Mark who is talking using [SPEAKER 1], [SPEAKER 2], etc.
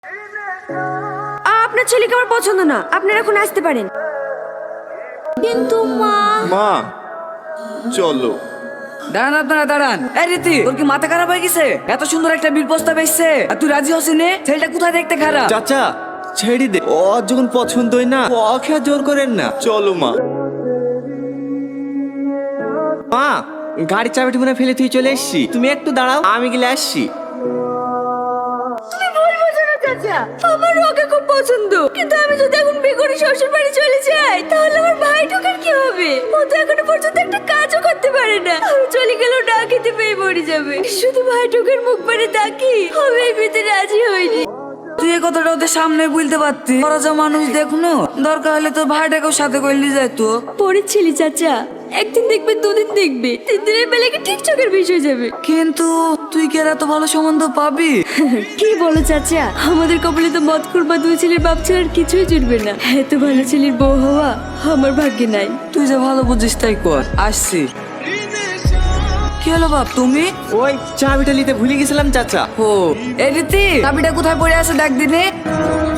[SPEAKER 1] আপনার ছেলেকে আমার পছন্দ না, আপনারা এখন আসতে পারেন। কিন্তু মা
[SPEAKER 2] মা চলো।
[SPEAKER 3] দাঁড়ান আপনারা দাঁড়ান। এই রীতি, তোর কি মাথা খারাপ হয়ে গেছে? এত সুন্দর একটা বিল প্রস্তাব এসছে আর তুই রাজি হসি নে? ছেলেটা কোথায় দেখতে খারাপ?
[SPEAKER 2] চাচা ছেড়ে দে, ও যখন পছন্দই না ওকে আর জোর করেন না। চলো মা। মা গাড়ির চাবিটি মনে হয় ফেলে তুই চলে এসছি, তুমি একটু দাঁড়াও, আমি গেলে আসছি।
[SPEAKER 1] তুমি ভুল বোঝো না চাচা, আমার ওকে খুব পছন্দ, কিন্তু আমি যদি এখন বিয়ে করে শ্বশুর বাড়ি চলে যাই তাহলে আমার ভাই ঢোকার কি হবে? ও তো এখনো পর্যন্ত একটা কাজও করতে পারে না, আমি চলে গেলেও না খেতে পেয়ে মরে যাবে। শুধু ভাই ঢোকার মুখ পানে তাকি আমি এই বিয়েতে রাজি হইনি।
[SPEAKER 3] তুই এই কথাটা ওদের সামনে বলতে পারতি। ওরা যা মানুষ দেখুনো, দরকার হলে তোর ভাইটাকেও সাথে করে নিয়ে যাইতো।
[SPEAKER 1] পরের ছেলে চাচা, একদিন দেখবে, দুদিন দেখবে, 3 দিনের বেলাকে ঠিক চোখের বিষয় যাবে।
[SPEAKER 3] কিন্তু তুই কি আর এত ভালো সম্বন্ধ পাবি?
[SPEAKER 1] কি বলো চাচা, আমাদের কপালে তো মদখোর বা 2 ছেলের বাপ ছাড়া আর কিছুই জুটবে না। এত ভালো ছেলের বউ হওয়া আমার ভাগ্যে নাই।
[SPEAKER 3] তুই যে ভালো বুঝিস তাই কর। আসছি। কি হলো বাপ, তুমি?
[SPEAKER 2] ওই চাবিটা নিতে ভুলে গেছিলাম চাচা।
[SPEAKER 3] ও এই রীতি, চাবিটা কোথায় পড়ে আছে দেখ দিনে।